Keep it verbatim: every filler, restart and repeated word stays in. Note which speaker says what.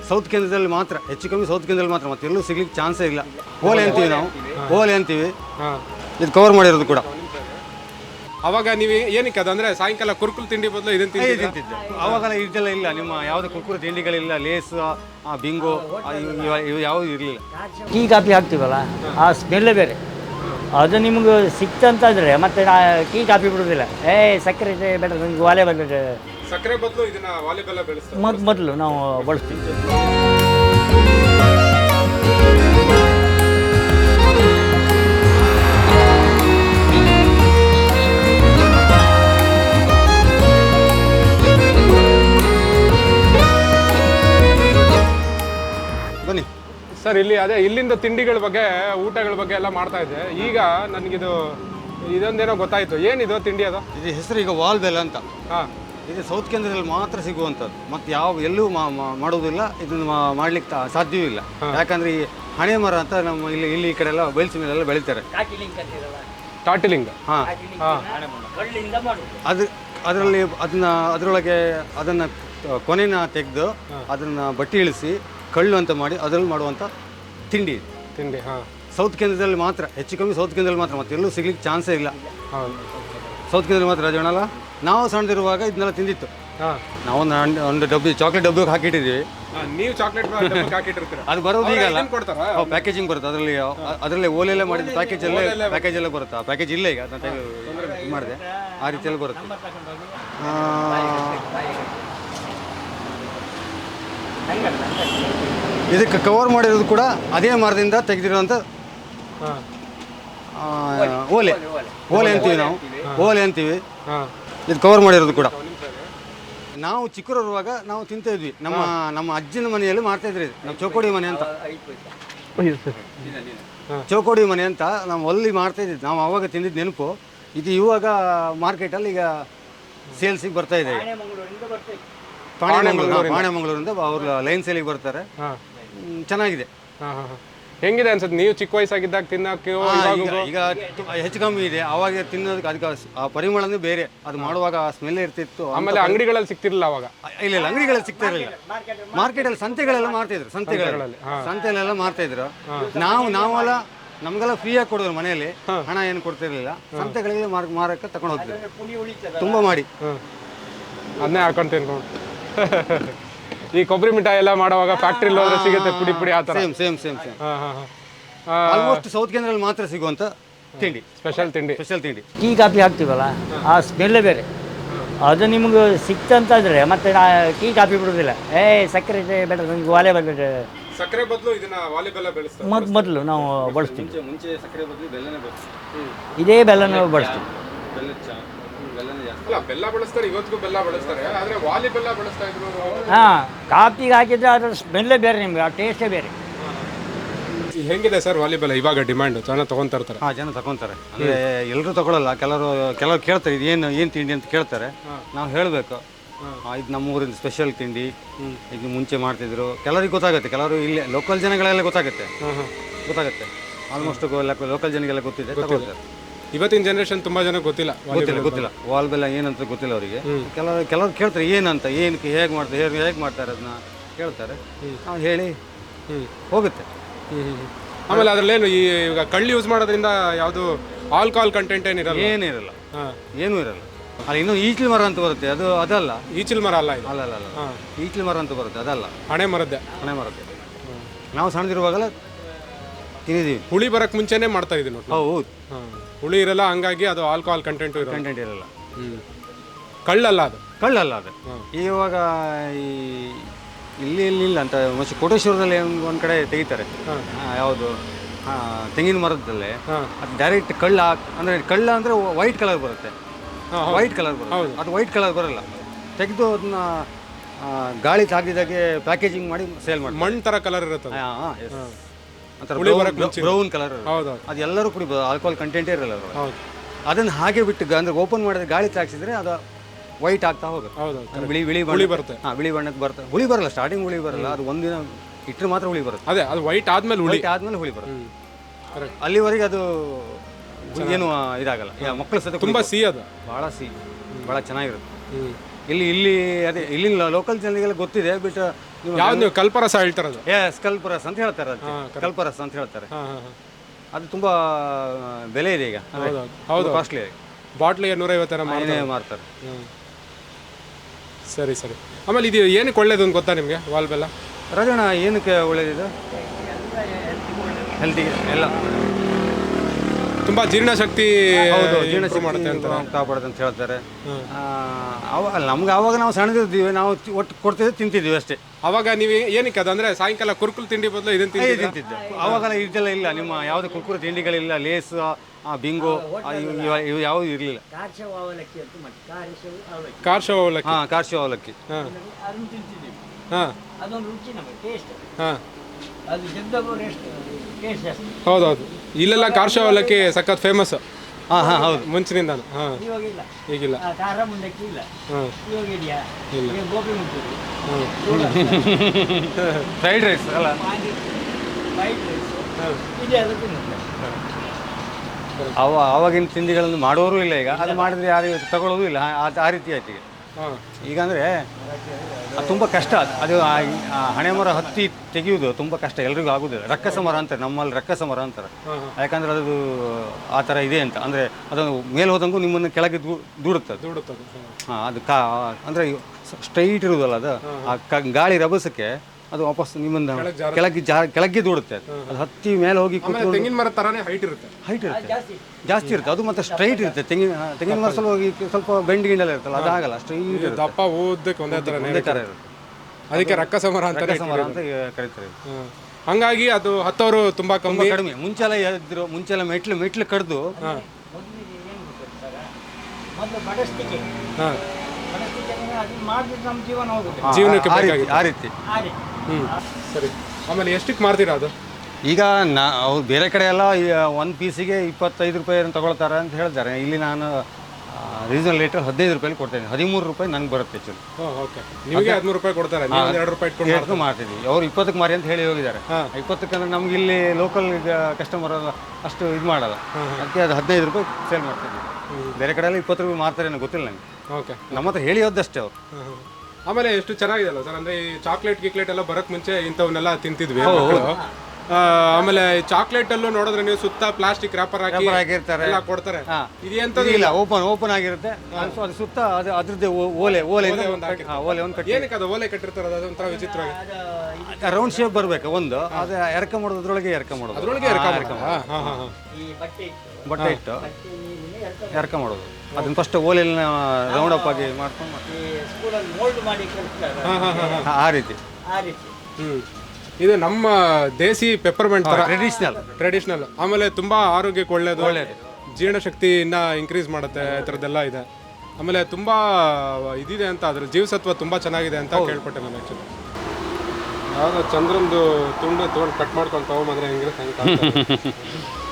Speaker 1: South ಕೇಂದ್ರದಲ್ಲಿ ಮಾತ್ರ, ಹೆಚ್ಚು ಕಮ್ಮಿ ಸೌತ್ ಕೇಂದ್ರದಲ್ಲಿ ಮಾತ್ರ, ಮತ್ತೆ ಎಲ್ಲೂ ಸಿಗ್ಲಿಕ್ಕೆ ಚಾನ್ಸೇ ಇಲ್ಲ. ಓಲೆ ಅಂತೀವಿ ನಾವು, ಓಲೆ ಅಂತೀವಿ. ಇದು ಕವರ್ ಮಾಡಿರೋದು ಕೂಡ.
Speaker 2: ಅವಾಗ ನೀವು ಏನಕ್ಕೆ ಅದು ಅಂದರೆ ಸಾಯಂಕಾಲ ಕುರ್ಕುಲ್ ತಿಂಡಿ ಬದಲು ಇದನ್ನು
Speaker 1: ತಿಂತಿದ್ದೆ. ಅವಾಗೆಲ್ಲ ಇದೆಲ್ಲ ಇಲ್ಲ, ನಿಮ್ಮ ಯಾವುದೇ ಕುರ್ಕುರು ತಿಂಡಿಗಳಿಲ್ಲ, ಲೇಸ್, ಬಿಂಗೋ ಇವು ಯಾವುದೂ ಇರಲಿಲ್ಲ.
Speaker 3: ಟೀ ಕಾಫಿ ಹಾಕ್ತೀವಲ್ಲ, ಆ ಸ್ಮೆಲ್ಲೇ ಬೇರೆ. ಅದು ನಿಮ್ಗೆ ಸಿಕ್ತಂತಂದರೆ ಮತ್ತೆ ನಾ ಟೀ ಕಾಫಿ ಬಿಡೋದಿಲ್ಲ. ಏ ಸಕ್ಕರೆ ಇದೆ ಬೇಡ, ನನಗೆ ವಾಲೆ ಬಂದಿದೆ.
Speaker 2: ಸಕ್ಕರೆ ಬದಲು ಇದನ್ನ ವಾಲಿಬೆಲ್ಲ ಬೆಳೆಸ್ತಾರೆ.
Speaker 3: ಮೊದ್ ಮೊದಲು ನಾವು ಬಳಸ್ತೀವಿ.
Speaker 1: ಬನ್ನಿ
Speaker 2: ಸರ್, ಇಲ್ಲಿ ಅದೇ ಇಲ್ಲಿಂದ ತಿಂಡಿಗಳ ಬಗ್ಗೆ, ಊಟಗಳ ಬಗ್ಗೆ ಎಲ್ಲ ಮಾಡ್ತಾ ಇದ್ದೆ. ಈಗ ನನಗಿದು ಇದೊಂದೇನೋ ಗೊತ್ತಾಯಿತು. ಏನಿದು ತಿಂಡಿ ಅದು?
Speaker 1: ಇದು ಹೆಸರು ಈಗ ವಾಲ್ ಬೆಲ್ಲ ಅಂತ.
Speaker 2: ಹಾಂ,
Speaker 1: ಇದು ಸೌತ್ ಕೇಂದ್ರದಲ್ಲಿ ಮಾತ್ರ ಸಿಗುವಂಥದ್ದು, ಮತ್ತು ಯಾವ ಎಲ್ಲೂ ಮಾಡೋದಿಲ್ಲ. ಇದನ್ನು ಮಾಡ್ಲಿಕ್ಕೆ ಸಾಧ್ಯವೂ ಇಲ್ಲ. ಯಾಕಂದರೆ ಈ ಹಣೆ ಮರ ಅಂತ ನಮ್ಮ ಇಲ್ಲಿ ಇಲ್ಲಿ ಈ ಕಡೆ ಎಲ್ಲ ಬಯಲು ಮೇಲೆಲ್ಲ ಬೆಳಿತಾರೆ.
Speaker 2: ಟಾಟಿಲಿಂಗ್.
Speaker 1: ಹಾಂ ಹಾಂ ಅದು ಅದರಲ್ಲಿ ಅದನ್ನ ಅದರೊಳಗೆ ಅದನ್ನು ಕೊನೆನ ತೆಗೆದು ಅದನ್ನು ಬಟ್ಟಿ ಇಳಿಸಿ ಕಳ್ಳು ಅಂತ ಮಾಡಿ ಅದರಲ್ಲಿ ಮಾಡುವಂಥ ತಿಂಡಿ
Speaker 2: ತಿಂಡಿ. ಹಾಂ,
Speaker 1: ಸೌತ್ ಕೇಂದ್ರದಲ್ಲಿ ಮಾತ್ರ, ಹೆಚ್ಚು ಕಮ್ಮಿ ಸೌತ್ ಕೇಂದ್ರದಲ್ಲಿ ಮಾತ್ರ, ಮತ್ತೆ ಎಲ್ಲೂ ಸಿಗ್ಲಿಕ್ಕೆ ಚಾನ್ಸೇ ಇಲ್ಲ.
Speaker 2: ಹೌದು,
Speaker 1: ಸೌತ್ ಕೇಂದ್ರದಲ್ಲಿ ಮಾತ್ರ. ರಾಜವಣ್ಣಲ್ಲ ನಾವು ಸಣ್ಣದಿರುವಾಗ ಇದನ್ನೆಲ್ಲ ತಿಂದಿತ್ತು.
Speaker 2: ಹಾಂ,
Speaker 1: ನಾವು ಒಂದು ಒಂದು ಡಬ್ಬಿ ಚಾಕ್ಲೇಟ್ ಡಬ್ಬಿಗೆ ಹಾಕಿಟ್ಟಿದ್ದೀವಿ.
Speaker 2: ನೀವು ಚಾಕ್ಲೇಟ್ ಹಾಕಿಟ್ಟಿರ್ತೀರ.
Speaker 1: ಅದು ಬರೋದು ಈಗಲ್ಲ,
Speaker 2: ಕೊಡ್ತಾರಾ?
Speaker 1: ಪ್ಯಾಕೇಜಿಂಗ್ ಬರುತ್ತೆ ಅದರಲ್ಲಿ. ಅದರಲ್ಲೇ ಓಲೆಲ್ಲ ಮಾಡಿದ ಪ್ಯಾಕೇಜಲ್ಲೇ ಪ್ಯಾಕೇಜ್ ಎಲ್ಲ ಬರುತ್ತೆ. ಆ ಪ್ಯಾಕೇಜ್ ಇಲ್ಲ ಈಗ, ಅದನ್ನ ತೆಗೆದು ಮಾಡಿದೆ. ಆ ರೀತಿಯಲ್ಲಿ ಬರುತ್ತೆ. ಇದಕ್ಕೆ ಕವರ್ ಮಾಡಿರೋದು ಕೂಡ ಅದೇ ಮರದಿಂದ ತೆಗೆದಿರುವಂಥ ಓಲೆ, ಓಲೆ ಅಂತೀವಿ ನಾವು, ಓಲೆ ಅಂತೀವಿ. ಇದು ಕವರ್ ಮಾಡಿರೋದು ಕೂಡ. ನಾವು ಚಿಕ್ಕವರಿರುವಾಗ ನಾವು ತಿಂತಾ ಇದ್ವಿ. ನಮ್ಮ ನಮ್ಮ ಅಜ್ಜಿನ ಮನೆಯಲ್ಲಿ ಮಾಡ್ತಾ ಇದ್ರಿ. ನಾವು ಚೌಕೋಡಿ ಮನೆ ಅಂತ, ಚೌಕೋಡಿ ಮನೆ ಅಂತ ನಾವು ಅಲ್ಲಿ ಮಾಡ್ತಾ ಇದ್ವಿ. ನಾವು ಅವಾಗ ತಿಂದಿದ್ದು ನೆನಪು. ಇದು ಇವಾಗ ಮಾರ್ಕೆಟಲ್ಲಿ ಈಗ ಸೇಲ್ಸಿಗೆ ಬರ್ತಾ ಇದೆ. ಪಾಣೆಮಂಗಳೂರು, ಪಾಣೆಮಂಗಳೂರಿಂದ ಅವ್ರ ಲೈನ್ ಸೇಲಿಗೆ ಬರ್ತಾರೆ. ಚೆನ್ನಾಗಿದೆ.
Speaker 2: ಹೆಂಗಿದೆ ಅನ್ಸುತ್ತೆ ನೀವು ಚಿಕ್ಕ ವಯಸ್ಸಾಗಿದ್ದಾಗ ತಿನ್ನಕ್ಕೆ?
Speaker 1: ಈಗ ಹೆಚ್ಚು ಕಮ್ಮಿ ಇದೆ. ಅವಾಗ ತಿನ್ನೋದಕ್ಕೆ ಅದಕ್ಕೆ ಆ ಪರಿಮಳನೇ ಬೇರೆ. ಅದು ಮಾಡುವಾಗ ಸ್ಮೆಲ್ ಇರ್ತಿತ್ತು.
Speaker 2: ಆಮೇಲೆ ಅಂಗಡಿಗಳಲ್ಲಿ ಸಿಗ್ತಿರಲಿಲ್ಲ ಅವಾಗ?
Speaker 1: ಇಲ್ಲ ಇಲ್ಲ, ಅಂಗಡಿಗಳಲ್ಲಿ ಸಿಗ್ತಾ ಇರಲಿಲ್ಲ. ಮಾರ್ಕೆಟಲ್ಲಿ ಸಂತೆಗಳೆಲ್ಲ ಮಾಡ್ತಿದ್ರು, ಸಂತೆಗಳಲ್ಲಿ ಸಂತೆಲೆಲ್ಲ ಮಾಡ್ತಾ ಇದ್ರು. ನಾವು ನಾವೆಲ್ಲ ನಮಗೆಲ್ಲ ಫ್ರೀಯಾಗಿ ಕೊಡೋರು ಮನೆಯಲ್ಲಿ, ಹಣ ಏನು ಕೊಡ್ತಿರ್ಲಿಲ್ಲ. ಸಂತೆಗಳಿಗೆ ಮಾರ್ ಮಾರಕ್ಕೆ ತಗೊಂಡು ಹೋಗ್ತಿದ್ರು ತುಂಬ ಮಾಡಿ.
Speaker 2: ಅದನ್ನೇ ಹಾಕೊಂಡು ತಿನ್ಕೊಂಡು. ಈ ಕೊಬ್ಬರಿ ಮಿಠಾಯಿ ಎಲ್ಲ ಮಾಡುವಾಗ ಫ್ಯಾಕ್ಟ್ರಿಲಿ ಹೋದ್ರೆ ಸಿಗುತ್ತೆ ಪುಡಿ ಪುಡಿ ಆ ಥರ.
Speaker 1: Same same same same almost south ಕೇಂದ್ರದಲ್ಲಿ ಮಾತ್ರ ಸಿಗುವಂಥ ತಿಂಡಿ, ಸ್ಪೆಷಲ್ ತಿಂಡಿ, ಸ್ಪೆಷಲ್ ತಿಂಡಿ.
Speaker 3: ಟೀ ಕಾಫಿ ಹಾಕ್ತೀವಲ್ಲ, ಆ ಸ್ಮೆಲ್ಲೇ ಬೇರೆ. ಅದು ನಿಮ್ಗೆ ಸಿಕ್ತಂತಂದರೆ ಮತ್ತೆ ನಾ ಟೀ ಕಾಫಿ ಬಿಡೋದಿಲ್ಲ. ಏ ಸಕ್ಕರೆ ಇದೆ ಬೇಡ, ನನಗೆ ವಾಲೆ ಬಂದಿದೆ.
Speaker 2: ಸಕ್ಕರೆ ಬದಲು ಇದನ್ನ ವಾಲಿಬೆಲ್ಲ ಬೆಳೆಸ್ತಾರೆ.
Speaker 3: ಮೊದ್ ಮೊದಲು ನಾವು ಬಳಸ್ತೀವಿ.
Speaker 1: ಮುಂಚೆ ಸಕ್ಕರೆ ಬದಲು ಬೆಲ್ಲನೇ ಬಳಸ್ತೀವಿ.
Speaker 3: ಇದೇ ಬೆಲ್ಲನ ಬಳಸ್ತೀವಿ.
Speaker 2: ಅಲ್ಲ, ಬೆಲ್ಲ ಬಳಸ್ತಾರೆ, ಇವತ್ತಿಗೂ ಬೆಲ್ಲ ಬಳಸ್ತಾರೆ. ಆದರೆ ವಾಲಿಬೆಲ್ಲ ಬಳಸ್ತಾ ಇದ್ರು.
Speaker 3: ಹಾಂ, ಕಾಫಿಗೆ ಹಾಕಿದ್ರೆ ಅದ್ರ ಸ್ಮೆಲ್ಲೇ ಬೇರೆ, ನಿಮಗೆ ಆ ಟೇಸ್ಟೇ ಬೇರೆ.
Speaker 2: ಹೆಂಗಿದೆ ಸರ್ ವಾಲಿಬೆಲ್ಲ ಇವಾಗ ಡಿಮ್ಯಾಂಡ್? ಜನ ತೊಗೊತಾ ಇರ್ತಾರೆ.
Speaker 1: ಹಾಂ, ಜನ ತಗೊತಾರೆ. ಅಂದರೆ ಎಲ್ಲರೂ ತಗೊಳ್ಳಲ್ಲ. ಕೆಲವರು ಕೆಲವರು ಕೇಳ್ತಾರೆ ಇದು ಏನು ಏನು ತಿಂಡಿ ಅಂತ ಕೇಳ್ತಾರೆ. ನಾವು ಹೇಳಬೇಕು ಇದು ನಮ್ಮ ಊರಿನ ಸ್ಪೆಷಲ್ ತಿಂಡಿ, ಈಗ ಮುಂಚೆ ಮಾಡ್ತಿದ್ರು. ಕೆಲವರಿಗೆ ಗೊತ್ತಾಗುತ್ತೆ, ಕೆಲವರು ಇಲ್ಲಿ ಲೋಕಲ್ ಜನಗಳೆಲ್ಲ ಗೊತ್ತಾಗುತ್ತೆ ಗೊತ್ತಾಗುತ್ತೆ ಆಲ್ಮೋಸ್ಟ್ ಲೋಕಲ್ ಜನಗೆಲ್ಲ ಗೊತ್ತಿದೆ, ತಗೊಳ್ತಾರೆ.
Speaker 2: ಇವತ್ತಿನ ಜನರೇಷನ್ ತುಂಬ ಜನ ಗೊತ್ತಿಲ್ಲ
Speaker 1: ಗೊತ್ತಿಲ್ಲ ಗೊತ್ತಿಲ್ಲ ವಾಲ್ ಬೆಲ್ಲ ಏನಂತ ಗೊತ್ತಿಲ್ಲ ಅವರಿಗೆ. ಕೆಲವರು ಕೆಲವರು ಕೇಳ್ತಾರೆ ಏನಂತ, ಏನಕ್ಕೆ, ಹೇಗೆ ಮಾಡ್ತಾರೆ, ಹೇಗೆ ಹೇಗೆ ಮಾಡ್ತಾರೆ ಅದನ್ನ ಕೇಳ್ತಾರೆ. ನಾವು ಹೇಳಿ ಹೋಗುತ್ತೆ.
Speaker 2: ಆಮೇಲೆ ಅದರಲ್ಲೇನು ಈ ಈಗ ಕಳ್ಳಿ ಯೂಸ್ ಮಾಡೋದ್ರಿಂದ ಯಾವುದು ಆಲ್ಕೋಹಾಲ್ ಕಂಟೆಂಟ್ ಏನಿರಲ್ಲ?
Speaker 1: ಏನಿರಲ್ಲ, ಏನೂ ಇರಲ್ಲ. ಅಲ್ಲಿ ಇನ್ನೂ ಈಚಲು ಮರ ಅಂತ ಬರುತ್ತೆ, ಅದು ಅದಲ್ಲ.
Speaker 2: ಈಚಲು ಮರ ಅಲ್ಲ ಇದು?
Speaker 1: ಅಲ್ಲ ಅಲ್ಲ ಅಲ್ಲ, ಈಚಲು ಮರ ಅಂತ ಬರುತ್ತೆ, ಅದಲ್ಲ.
Speaker 2: ಹಣೆ ಮರದ್ದೇ?
Speaker 1: ಹಣೆ ಮರದ್ದೇ. ನಾವು ಸಣ್ಣದಿರುವಾಗೆಲ್ಲ ತಿಂದಿದ್ದೀವಿ.
Speaker 2: ಹುಳಿ ಬರೋಕ್ಕೆ ಮುಂಚೆನೇ ಮಾಡ್ತಾ ಇದ್ದೀವಿ ನೋಡಿ.
Speaker 1: ಹೌದು,
Speaker 2: ಹುಳಿ ಇರಲ್ಲ, ಹಂಗಾಗಿ ಅದು ಆಲ್ಕೋಹಾಲ್ ಕಂಟೆಂಟ್
Speaker 1: ಕಂಟೆಂಟ್ ಇರಲ್ಲ.
Speaker 2: ಕಳ್ಳಲ್ಲ ಅದು,
Speaker 1: ಕಳ್ಳಲ್ಲ ಅದು. ಇವಾಗ ಈ ಇಲ್ಲಿ ಇಲ್ಲಿ ಇಲ್ಲ ಅಂತ ಮೋಸ್ಟ್ಲಿ ಕೋಟೇಶ್ವರದಲ್ಲಿ ಒಂದು ಕಡೆ ತೆಗಿತಾರೆ. ಯಾವುದು ತೆಂಗಿನ ಮರದಲ್ಲೇ ಅದು ಡೈರೆಕ್ಟ್ ಕಳ್ಳ, ಅಂದರೆ ಕಳ್ಳ ಅಂದರೆ ವೈಟ್ ಕಲರ್ ಬರುತ್ತೆ. ವೈಟ್ ಕಲರ್ ಬರುತ್ತೆ, ಅದು ವೈಟ್ ಕಲರ್ ಬರಲ್ಲ. ತೆಗೆದು ಅದನ್ನ ಗಾಳಿ ತಾಗಿದಾಗೆ ಪ್ಯಾಕೇಜಿಂಗ್ ಮಾಡಿ ಸೇಲ್ ಮಾಡಿ.
Speaker 2: ಮಣ್ಣು ಥರ ಕಲರ್ ಇರುತ್ತೆ,
Speaker 1: ಬ್ರೌನ್ ಕಲರ್. ಅದು ಎಲ್ಲರೂ ಕುಡಿಬೋದು, ಆಲ್ಕೋಹಾಲ್ ಕಂಟೆಂಟೇ ಇರಲ್ಲ ಅವರು. ಅದನ್ನು ಹಾಗೆ ಬಿಟ್ಟು ಅಂದರೆ ಓಪನ್ ಮಾಡಿದ್ರೆ ಗಾಳಿ ತಾಗಿಸಿದ್ರೆ ಅದು ವೈಟ್ ಆಗ್ತಾ ಹೋಗುತ್ತೆ. ಬಿಳಿ ಬಿಳಿ ಬಣ್ಣ ಬರುತ್ತೆ. ಹಾಂ, ಬಿಳಿ ಬಣ್ಣಕ್ಕೆ ಬರುತ್ತೆ. ಹುಳಿ ಬರಲ್ಲ, ಸ್ಟಾರ್ಟಿಂಗ್ ಹುಳಿ ಬರಲ್ಲ. ಅದು ಒಂದಿನ ಇಟ್ಟರೆ ಮಾತ್ರ ಹುಳಿ ಬರುತ್ತೆ.
Speaker 2: ಅದೇ ಅದು ವೈಟ್ ಆದ್ಮೇಲೆ ಹುಳಿ
Speaker 1: ಆದ್ಮೇಲೆ ಹುಳಿ ಬರುತ್ತೆ. ಅಲ್ಲಿವರೆಗೆ ಅದು ಏನು ಇದಾಗಲ್ಲ. ಮಕ್ಕಳು ಸಹ
Speaker 2: ತುಂಬ ಸಿಹಿ, ಅದು
Speaker 1: ಭಾಳ ಸಿಹಿ, ಭಾಳ ಚೆನ್ನಾಗಿರುತ್ತೆ. ಇಲ್ಲಿ ಇಲ್ಲಿ ಅದೇ ಇಲ್ಲಿ ಲೋಕಲ್ ಜನರಿಗೆಲ್ಲ ಗೊತ್ತಿದೆ. ಬಟ್
Speaker 2: ಯಾವ್ದು ನೀವು ಕಲ್ಪರಸ ಹೇಳ್ತಾರದು?
Speaker 1: ಏ ಕಲ್ಪರಸ್ ಅಂತ ಹೇಳ್ತಾರೆ, ಅದಕ್ಕೆ ಕಲ್ಪರಸ್ ಅಂತ ಹೇಳ್ತಾರೆ.
Speaker 2: ಹಾಂ ಹಾಂ ಹಾಂ.
Speaker 1: ಅದು ತುಂಬ ಬೆಲೆ ಇದೆ ಈಗ,
Speaker 2: ಹೌದು ಹೌದು,
Speaker 1: ಕಾಸ್ಟ್ಲಿ
Speaker 2: ಬಾಟ್ಲಿಗೆ ನೂರೈವತ್ತರ
Speaker 1: ಏನೇ ಮಾರ್ತಾರೆ.
Speaker 2: ಹ್ಞೂ ಸರಿ ಸರಿ. ಆಮೇಲೆ ಇದು ಏನಕ್ಕೆ ಒಳ್ಳೇದು ಅಂತ ಗೊತ್ತಾ ನಿಮಗೆ ವಾಲ್ ಬೆಲ್ಲ?
Speaker 1: ರಾಜಣ್ಣ ಏನಕ್ಕೆ ಒಳ್ಳೇದಿದೆ? ಹೆಲ್ತಿಗೆ ಎಲ್ಲ
Speaker 2: ತುಂಬ ಜೀರ್ಣಶಕ್ತಿ
Speaker 1: ಹೌದು,
Speaker 2: improve
Speaker 1: ಜೀರ್ಣಶಕ್ತಿ
Speaker 2: ಮಾಡುತ್ತೆ ಅಂತ.
Speaker 1: ಕಾಪಾಡುತ್ತೆ ಅಂತ ಹೇಳ್ತಾರೆ. ಆ, ಅವ ಅಲ್ಲ, ನಮ್ಗೆ ಅವಾಗ ನಾವು ಸಣ್ಣದಿದ್ದೀವಿ, ನಾವು ತಿ- ಒಟ್ಟು ಕೊಡ್ತಿದ್ದೆ ತಿಂತಿದ್ವಿ ಅಷ್ಟೇ.
Speaker 2: ಅವಾಗ ನೀವು ಏನಕ್ಕೆ ಅದು ಅಂದರೆ ಸಾಯಂಕಾಲ ಕುರ್ಕುಲ್ ತಿಂಡಿ ಬದಲು ಇದನ್ನು
Speaker 1: ಇದು
Speaker 2: ತಿಂತಿದ್ದೆ?
Speaker 1: ತಿಂತಿದ್ದೆ ಅವಾಗೆಲ್ಲ ಇದೆಲ್ಲ ಇಲ್ಲ, ನಿಮ್ಮ ಯಾವುದೇ ಕುರ್ಕುರು ತಿಂಡಿಗಳಿಲ್ಲ, ಲೇಸ್, ಆ, ಬಿಂಗೋ, ಆ, ಇವು ಇವು- ಇವು ಯಾವುದೂ ಇರಲಿಲ್ಲ.
Speaker 3: ಕಾರ್ಶವ ಅವಲಕ್ಕಿ ಅಂತ ಮಾಡಿ ಕಾರ್ಶವ ಅವಲಕ್ಕಿ
Speaker 2: ಕಾರ್ಶವ ಅವಲಕ್ಕಿ.
Speaker 1: ಹಾಂ, ಕಾರ್ಶಿವ ಅವಲಕ್ಕಿ.
Speaker 2: ಹಾಂ
Speaker 3: ಅದನ್ನು ತಿಂತಿದ್ದೀವಿ.
Speaker 2: ಹಾಂ
Speaker 3: ಅದೊಂದು ರುಚಿ ನಮಗೆ ಟೇಸ್ಟ್.
Speaker 2: ಹಾಂ
Speaker 3: ಅದು ಜಗ್ಗಬ್ಬ ಟೇಸ್ಟ್ ಜಾಸ್ತಿ.
Speaker 2: ಹೌದೌದು, ಇಲ್ಲೆಲ್ಲ ಕಾರ್ಶವ ಅವಲಕ್ಕಿ ಸಖತ್ ಫೇಮಸ್
Speaker 1: ಹಾಂ ಹಾಂ ಹೌದು.
Speaker 2: ಮುಂಚಿನಿಂದಾನು. ಹಾಂ
Speaker 3: ಇವಾಗ ಇಲ್ಲ,
Speaker 2: ಈಗಿಲ್ಲ.
Speaker 3: ಆ ಖಾರ ಮುಂಡಕ್ಕಿ ಇಲ್ಲ.
Speaker 2: ಹಾಂ
Speaker 3: ಇವಾಗ ಇದೆಯಾ?
Speaker 2: ಇಲ್ಲ.
Speaker 3: ಈಗ ಗೋಬಿ ಮುಂಚೂರಿ,
Speaker 2: ಹಾಂ
Speaker 1: ಫ್ರೈಡ್ ರೈಸ್ ಅಲ್ಲ,
Speaker 3: ವೈಟ್ ರೈಸ್
Speaker 2: ಹಾಂ
Speaker 3: ಇದೆ, ಅದು ತಿನ್ನುತ್ತೆ.
Speaker 1: ಅವ ಆವಾಗಿನ ತಿಂಡಿಗಳನ್ನು ಮಾಡೋರು ಇಲ್ಲ ಈಗ. ಅದು ಮಾಡಿದ್ರೆ ಯಾರು ತಗೊಳ್ಳೋದು ಇಲ್ಲ, ಆ ಆ ರೀತಿ ಆಯ್ತು ಈಗ.
Speaker 2: ಹಾಂ
Speaker 1: ಈಗ ಅಂದರೆ ತುಂಬ ಕಷ್ಟ ಅದು. ಅದು ಆ- ಆ ಹಣೆ ಮರ ಹತ್ತಿ ತೆಗೆಯುವುದು ತುಂಬ ಕಷ್ಟ, ಎಲ್ರಿಗೂ ಆಗೋದಿಲ್ಲ. ರಕ್ಕಸ ಮರ ಅಂತಾರೆ ನಮ್ಮಲ್ಲಿ, ರಕ್ಕಸ ಮರ ಅಂತಾರೆ.
Speaker 2: ಹಾಂ
Speaker 1: ಯಾಕಂದರೆ ಅದು ಆ ಥರ ಇದೆ ಅಂತ, ಅಂದರೆ ಅದನ್ನು ಮೇಲೆ ಹೋದಂಗೂ ನಿಮ್ಮನ್ನು ಕೆಳಗೆ ದೂ ದೂಡುತ್ತೆ ಅದು.
Speaker 2: ದುಡುತ್ತದೆ.
Speaker 1: ಹಾಂ, ಅದು ಕಾ ಅಂದರೆ ಸ್ಟ್ರೈಟ್ ಇರುವುದಲ್ಲ ಅದು, ಆ ಕ ಗಾಳಿ ರಭಸಕ್ಕೆ ಅದು ವಾಪಸ್ ನಿಮ್ಮನ್ನು
Speaker 2: ಕೆಳಗೆ ಜಾರುತ್ತೆ.
Speaker 1: ಕೆಳಗೆ ಜಾ ಕೆಳಗೆ ದೂಡುತ್ತೆ ಅದು. ಅದು ಹತ್ತಿ ಮೇಲೆ ಹೋಗಿ
Speaker 2: ಆಮೇಲೆ
Speaker 1: ಕೂತ್ಕೊಂಡು
Speaker 2: ತೆಂಗಿನ ಮರ ಥರನೇ ಹೈಟ್ ಇರುತ್ತೆ.
Speaker 1: ಹೈಟ್ ಇರುತ್ತೆ,
Speaker 3: ಜಾಸ್ತಿ
Speaker 1: ಜಾಸ್ತಿ ಇರುತ್ತೆ. ಅದು ಮತ್ತೆ ಸ್ಟ್ರೈಟ್ ಇರುತ್ತೆ. ತೆಂಗಿನ ತೆಂಗಿನ ಮರ ಸ್ವಲ್ಪ ಹೋಗಿ ಸ್ವಲ್ಪ ಬೆಂಡ್ ಗಿಂಡೆಲ್ಲ ಇರುತ್ತಲ್ಲ, ಅದಾಗಲ್ಲ, ಸ್ಟ್ರೈಟ್ ಇರುತ್ತೆ,
Speaker 2: ದಪ್ಪ ಉದ್ದಕ್ಕೆ ಒಂದೇ ಥರ
Speaker 1: ಒಂದೇ ಥರ ಇರುತ್ತೆ.
Speaker 2: ಅದಕ್ಕೆ ರಕ್ಕಸ ಮರ ಅಂತಾನೆ
Speaker 1: ರಕ್ಕಸ ಮರ ಅಂತ ಕರೀತಾರೆ.
Speaker 2: ಹಾಂ. ಹಂಗಾಗಿ ಅದು ಹತ್ತವರು ತುಂಬ
Speaker 1: ತುಂಬ
Speaker 2: ಕಮ್ಮಿ.
Speaker 1: ಕಡಿಮೆ. ಮುಂಚೆಲ್ಲ ಎದ್ರು ಮುಂಚೆಲ್ಲ ಮೆಟ್ಲು ಮೆಟ್ಲು ಕಡ್ದು
Speaker 2: ಹಾಂ
Speaker 3: ಮೊದಲಿಗೆ ಏನು ಗೊತ್ತಿರ್ತಾರೆ, ಮೊದಲು ಬಡಸ್ತಿಗೆ
Speaker 2: ಹಾಂ
Speaker 3: ಬಡಸ್ತಿಗೆ ಅಂದರೆ ಅದನ್ನ ಮಾಡಿದ್ರೆ ನಮ್ಮ ಜೀವನ ಹೋಗುತ್ತೆ.
Speaker 1: ಆ-
Speaker 2: ಜೀವನಕ್ಕೆ
Speaker 1: ಆ ರೀತಿ
Speaker 2: ಬೇಕಾಗಿತ್ತು.
Speaker 1: ಆ ರೀತಿ
Speaker 3: ಆ ರೀತಿ.
Speaker 2: ಹ್ಞೂ ಸರಿ. ಆಮೇಲೆ ಎಷ್ಟಕ್ಕೆ ಮಾರ್ತೀರಾ ಅದು?
Speaker 1: ಈಗ ನಾ ಅವ್ರು ಬೇರೆ ಕಡೆ ಎಲ್ಲ ಒಂದು ಪೀಸಿಗೆ ಇಪ್ಪತ್ತೈದು ರೂಪಾಯಿ ತಗೊಳ್ತಾರೆ ಅಂತ ಹೇಳ್ತಾರೆ. ಇಲ್ಲಿ ನಾನು ರೀಸನಲ್ ರೇಟ್ ಹದಿನೈದು ರೂಪಾಯಿ ಕೊಡ್ತೇನೆ. ಹದಿಮೂರು ರೂಪಾಯಿ ನನಗೆ ಬರುತ್ತೆ ಆ್ಯಕ್ಚುಲಿ.
Speaker 2: ಹಾಂ ಓಕೆ. ನಿಮಗೆ ಹದಿಮೂರು ರೂಪಾಯಿ ಕೊಡ್ತಾರೆ, ನೀವು ಒಂದು ಎರಡು ರೂಪಾಯಿ ಇಟ್ಕೊಂಡು
Speaker 1: ಎಷ್ಟು ಮಾಡ್ತಿದ್ವಿ, ಅವ್ರು ಇಪ್ಪತ್ತಕ್ಕೆ ಮಾರಿ ಅಂತ ಹೇಳಿ ಹೋಗಿದ್ದಾರೆ.
Speaker 2: ಹಾಂ.
Speaker 1: ಇಪ್ಪತ್ತಕ್ಕೆ ಅಂದ್ರೆ ನಮ್ಗೆ ಇಲ್ಲಿ ಲೋಕಲ್ ಕಸ್ಟಮರ್ ಅಷ್ಟು ಇದು ಮಾಡಲ್ಲ, ಅದಕ್ಕೆ ಅದು ಹದಿನೈದು ರೂಪಾಯಿ ಸೇಲ್ ಮಾಡ್ತಿದ್ವಿ. ಬೇರೆ ಕಡೆ ಎಲ್ಲ ಇಪ್ಪತ್ತು ರೂಪಾಯಿ ಮಾರ್ತಾರೆ ಅನ್ನೋ ಗೊತ್ತಿಲ್ಲ ನನಗೆ.
Speaker 2: ಓಕೆ.
Speaker 1: ನಮ್ಮ ಹತ್ರ ಹೇಳಿ ಹೋದಷ್ಟೇ ಅವ್ರು.
Speaker 2: ಹಾಂ ಹಾಂ. ಆಮೇಲೆ ಎಷ್ಟು ಚೆನ್ನಾಗಿದೆಯಲ್ಲ ಸರ್, ಅಂದರೆ ಈ ಚಾಕ್ಲೇಟ್ ಗಿಕ್ಲೇಟ್ ಎಲ್ಲ ಬರೋಕ್ಕೆ ಮುಂಚೆ ಇಂಥವನ್ನೆಲ್ಲ ತಿಂತಿದ್ವಿ ಮಕ್ಕಳು. ಆ, ಆಮೇಲೆ ಚಾಕ್ಲೇಟ್ ಅಲ್ಲೂ ನೋಡಿದ್ರೆ ನೀವು ಸುತ್ತ ಪ್ಲಾಸ್ಟಿಕ್ ರ್ಯಾಪರ್ ಹಾಕಿ
Speaker 1: Wrapper ಹಾಕಿರ್ತಾರೆ.
Speaker 2: ಎಲ್ಲ ಕೊಡ್ತಾರೆ.
Speaker 1: ಹಾ.
Speaker 2: ಇದೆಂಥದ್ದು
Speaker 1: ಇಲ್ಲ, ಓಪನ್ ಓಪನ್ ಆಗಿರುತ್ತೆ. ಅದು ಅದು ಸುತ್ತ ಅದು ಅದ್ರದ್ದೇ ಓ- ಓಲೆ ಓಲೆ
Speaker 2: ಒಂದು ಹಾಕಿರ್ತಾರೆ.
Speaker 1: ಹಾಂ, ಓಲೆ ಒಂದು ಕಟ್ಟಿ
Speaker 2: ಏನಕ್ಕೆ ಅದು ಓಲೆ ಕಟ್ಟಿರ್ತಾರೆ? ಅದು ಒಂಥರ ವಿಚಿತ್ರವಾಗಿ.
Speaker 3: ಅದು ಇದು
Speaker 1: ರೌಂಡ್ ಶೇಪ್ ಬರಬೇಕು ಒಂದು, ಅದು ಎರಕ ಮಾಡೋದು, ಅದ್ರೊಳಗೆ ಎರಕ ಮಾಡೋದು,
Speaker 2: ಅದ್ರೊಳಗೆ
Speaker 1: ಹಾ,
Speaker 2: ಎರಕ
Speaker 1: ಎರಕ
Speaker 2: ಮಾಡೋದು. ಹಾಂ ಹಾಂ ಹಾಂ ಹಾಂ.
Speaker 3: ಈ ಬಟ್ಟೆ ಇಟ್ಟು
Speaker 1: ಬಟ್ಟೆ ಇಟ್ಟು
Speaker 3: ಬಟ್ಟೆ ನೀರಿನ ಎಳ್ಕೊಂಡು
Speaker 1: ಎರಕ ಮಾಡೋದು. ಅದನ್ನ ಫಸ್ಟ್ ಓಲೆಲ್ಲ ರೌಂಡ್ ಅಪ್ ಆಗಿ ಮಾಡ್ಕೊಂಡು ಮಾಡ್ತಾರೆ.
Speaker 3: ಈ ಸ್ಕೂಲಲ್ಲಿ ಮೋಲ್ಡ್ ಮಾಡಿ ಕಳಿಸ್ತಾರೆ,
Speaker 2: ಹಾಂ ಹಾಂ ಹಾಂ ಹಾಂ.
Speaker 1: ಹಾ, ಆ ರೀತಿ
Speaker 3: ಆ ರೀತಿ.
Speaker 2: ಹ್ಞೂ ಇದು ನಮ್ಮ ದೇಸಿ ಪೆಪ್ಪರ್ಮೆಂಟ್ ಥರ
Speaker 1: ಟ್ರೆಡಿಷನಲ್.
Speaker 2: ಟ್ರೆಡಿಷ್ನಲ್. ಆಮೇಲೆ ತುಂಬ ಆರೋಗ್ಯಕ್ಕೆ ಒಳ್ಳೆಯದು,
Speaker 1: ಒಳ್ಳೆಯದು.
Speaker 2: ಜೀರ್ಣಶಕ್ತಿನ ಇನ್ಕ್ರೀಸ್ ಮಾಡುತ್ತೆ, ಈ ಥರದ್ದೆಲ್ಲ ಇದೆ. ಆಮೇಲೆ ತುಂಬ ಇದಿದೆ ಅಂತ, ಅದ್ರ ಜೀವಸತ್ವ ತುಂಬ ಚೆನ್ನಾಗಿದೆ ಅಂತ ಕೇಳ್ಪಟ್ಟೆ ನಾನು ಆ್ಯಕ್ಚುಲಿ. ಯಾವುದೋ ಚಂದ್ರಂದು ತುಂಡು ತೊಗೊಂಡು ಕಟ್ ಮಾಡ್ಕೊಂಡು ತಗೊಂಬಂದ್ರೆ ಹೆಂಗಿರುತ್ತೆ ಹಂಗೆ ಕಾಣ್ತದೆ.